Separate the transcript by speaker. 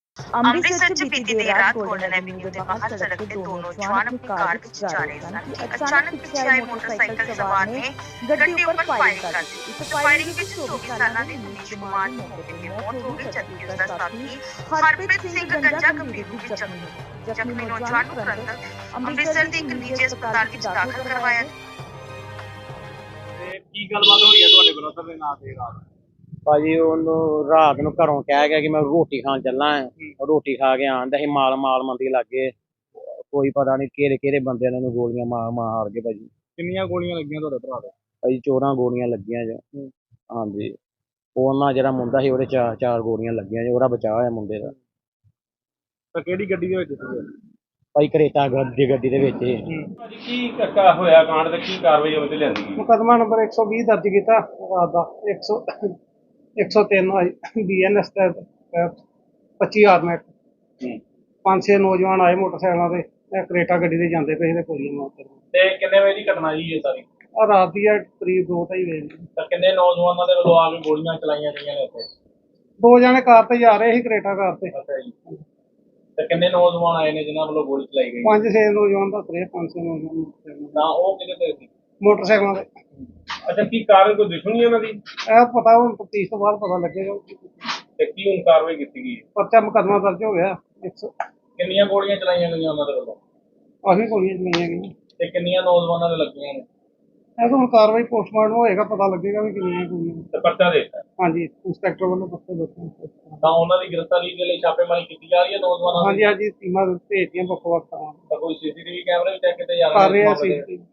Speaker 1: ਅੰਮ੍ਰਿਤਸਰ 'ਚ ਬੀਤੀ ਦੇਰ ਰਾਤ ਗੋਲਡਨ ਐਵਨਿਊ ਦੇ ਬਾਹਰ ਸੜਕ ਤੇ ਦੋ ਨੌਜਵਾਨ ਆਪਣੀ ਕਾਰ ਵਿੱਚ ਜਾ ਰਹੇ ਸਨ ਕਿ ਅਚਾਨਕ ਪਿੱਛੇ ਆਏ ਮੋਟਰਸਾਈਕਲ ਸਵਾਰ ਨੇ ਗੱਡੀ ਉੱਪਰ ਫਾਇਰਿੰਗ ਕਰ ਦਿੱਤੀ। ਇਸ ਫਾਇਰਿੰਗ ਵਿੱਚ 24 ਸਾਲਾਂ ਦੇ ਮਨੀਸ਼ ਕੁਮਾਰ ਦੀ ਮੌਕੇ ਤੇ ਮੌਤ ਹੋ ਗਈ, ਜਦਕਿ ਉਸ ਦਾ ਸਾਥੀ ਹਰਪ੍ਰੀਤ ਸਿੰਘ ਗੰਜਾ ਗੰਭੀਰ ਰੂਪ ਵਿੱਚ ਜ਼ਖਮੀ ਹੋ ਗਿਆ। ਜ਼ਖਮੀ ਨੌਜਵਾਨ ਨੂੰ ਤੁਰੰਤ ਅੰਮ੍ਰਿਤਸਰ ਦੇ ਇੱਕ ਨਿੱਜੀ ਹਸਪਤਾਲ ਵਿੱਚ ਦਾਖਲ ਕਰਵਾਇਆ।
Speaker 2: ਤੇ ਕੀ ਗੱਲਬਾਤ ਹੋਈ ਹੈ ਤੁਹਾਡੇ ਬ੍ਰਦਰ ਦੇ ਨਾਲ ਦੇ ਰਾਤ?
Speaker 3: ਭਾਜੀ ਉਹਨੂੰ ਰਾਤ ਨੂੰ ਘਰੋਂ ਕਹਿ ਗਿਆ ਕਿ ਮੈਂ ਰੋਟੀ ਖਾਣ ਚੱਲਾਂ ਰੋਟੀ ਖਾ ਕੇ ਆਂਦਾ ਸੀ ਮਾਲ ਮੰਦੀ ਲੱਗੇ ਕੋਈ ਪਤਾ ਨਹੀਂ ਕਿਹੜੇ ਬੰਦਿਆਂ ਨੇ ਗੋਲੀਆਂ ਮਾਰ ਕੇ ਭਾਜੀ।
Speaker 2: ਕਿੰਨੀਆਂ ਗੋਲੀਆਂ ਲੱਗੀਆਂ ਤੁਹਾਡੇ ਭਰਾ ਦੇ?
Speaker 3: ਭਾਜੀ 14 ਗੋਲੀਆਂ ਲੱਗੀਆਂ ਜੀ। ਹਾਂਜੀ ਉਹਨਾਂ ਜਿਹੜਾ ਮੁੰਡਾ ਸੀ ਉਹਦੇ ਚਾਰ ਗੋਲੀਆਂ ਲੱਗੀਆਂ ਜੀ, ਉਹਦਾ ਬਚਾਅ ਹੋਇਆ ਮੁੰਡੇ ਦਾ।
Speaker 2: ਤਾਂ ਕਿਹੜੀ ਗੱਡੀ ਦੇ ਵਿੱਚ ਸੀ?
Speaker 3: ਭਾਈ ਕਰੇਟਾ ਗੱਡੀ ਦੇ ਵਿੱਚ।
Speaker 2: ਭਾਜੀ ਕੀ ਕੱਕਾ ਹੋਇਆ ਕਾਂਡ ਤੇ ਕੀ ਕਾਰਵਾਈ ਉਹਦੇ ਲਿਆਂਦੀ ਗਈ?
Speaker 4: ਮੁਕੱਦਮਾ ਨੰਬਰ 120 ਦਰਜ ਕੀਤਾ ਰਾਤ ਦਾ 103 BNS ਤਹਿਤ 25 ਆਰਮੈਟ। 5-6 ਨੌਜਵਾਨ ਆਏ ਮੋਟਰਸਾਈਕਲਾਂ ਤੇ, ਕਰੇਟਾ ਗੱਡੀ ਤੇ ਜਾਂਦੇ ਪਏ ਤੇ ਗੋਲੀਆਂ ਮਾਰਦੇ।
Speaker 2: ਤੇ ਕਿੰਨੇ ਵਜੇ ਦੀ ਘਟਨਾ ਜੀ ਇਹ ਸਾਰੀ?
Speaker 4: ਰਾਤ ਦੀ ਕਰੀਬ 2-2:30 ਵਜੇ।
Speaker 2: ਤਾਂ ਕਿੰਨੇ ਨੌਜਵਾਨਾਂ ਦੇ ਵੱਲੋਂ ਆ ਕੇ ਗੋਲੀਆਂ ਚਲਾਈਆਂ ਗਈਆਂ ਨੇ ਉੱਥੇ?
Speaker 4: 2 ਜਣੇ ਕਾਰ ਤੇ ਜਾ ਰਹੇ ਸੀ, ਕਰੇਟਾ ਕਾਰ ਤੇ।
Speaker 2: ਅੱਛਾ ਜੀ। ਤੇ ਕਿੰਨੇ ਨੌਜਵਾਨ ਆਏ ਨੇ ਜਿਨ੍ਹਾਂ ਵੱਲੋਂ ਗੋਲੀ ਚਲਾਈ ਗਈ?
Speaker 4: 5-6 ਨੌਜਵਾਨ ਦੱਸ ਰਹੇ, 5-6 ਨੌਜਵਾਨ।
Speaker 2: ਤਾਂ ਉਹ ਕਿਹਦੇ ਤੇ ਸੀ?
Speaker 4: ਮੋਟਰਸਾਈਕਲਾਂ ਤੇ।
Speaker 2: ਅੱਛਾ ਕੀ ਕਾਰਨ ਕੋਈ ਦੁਸ਼ਮਣੀ ਇਹਨਾਂ ਦੀ?
Speaker 4: ਇਹ ਪਤਾ ਹੁਣ ਤਫਤੀਸ਼ ਤੋਂ ਬਾਅਦ ਪਤਾ ਲੱਗੇਗਾ।
Speaker 2: ਤੇ ਕੀ ਹੁਣ ਕਾਰਵਾਈ ਕੀਤੀ ਗਈ?
Speaker 4: ਪਰਚਾ ਮੁਕੱਦਮਾ ਦਰਜ ਹੋ ਗਿਆ।
Speaker 2: ਕਿੰਨੀਆਂ ਗੋਲੀਆਂ ਚਲਾਈਆਂ ਗਈਆਂ ਉਹਨਾਂ ਦੇ ਵੱਲੋਂ?
Speaker 4: ਕਾਫੀ ਗੋਲੀਆਂ ਚਲਾਈਆਂ ਗਈਆਂ।
Speaker 2: ਤੇ ਕਿੰਨੀਆਂ ਨੌਜਵਾਨਾਂ ਦੇ ਲੱਗੀਆਂ ਨੇ?
Speaker 4: ਇਹ ਤਾਂ ਹੁਣ ਕਾਰਵਾਈ ਪੋਸਟਮਾਰਟਮ ਹੋਏਗਾ, ਪਤਾ ਲੱਗੇਗਾ ਵੀ ਕਿੰਨੀਆਂ ਗੋਲੀਆਂ।
Speaker 2: ਤੇ ਪਰਚਾ ਦੇ ਦਿੱਤਾ?
Speaker 4: ਹਾਂਜੀ, ਇੰਸਪੈਕਟਰ ਵੱਲੋਂ ਪਰਚਾ ਦਿੱਤਾ।
Speaker 2: ਤਾਂ ਉਹਨਾਂ ਦੀ ਗ੍ਰਿਫਤਾਰੀ ਦੇ ਲਈ ਛਾਪੇਮਾਰੀ ਕੀਤੀ ਜਾ ਰਹੀ ਹੈ ਨੌਜਵਾਨਾਂ ਦੀ?
Speaker 4: ਹਾਂਜੀ, ਟੀਮਾਂ ਭੇਜਦੀਆਂ ਵੱਖ-ਵੱਖ ਥਾਵਾਂ।
Speaker 2: ਤਾਂ ਕੋਈ ਸੀਸੀਟੀਵੀ ਕੈਮਰੇ ਵੀ ਚੈੱਕ ਕੀਤੇ ਜਾ
Speaker 4: ਕਰ ਰਹੇ ਆ
Speaker 2: ਨੇ?
Speaker 4: ਸੀ।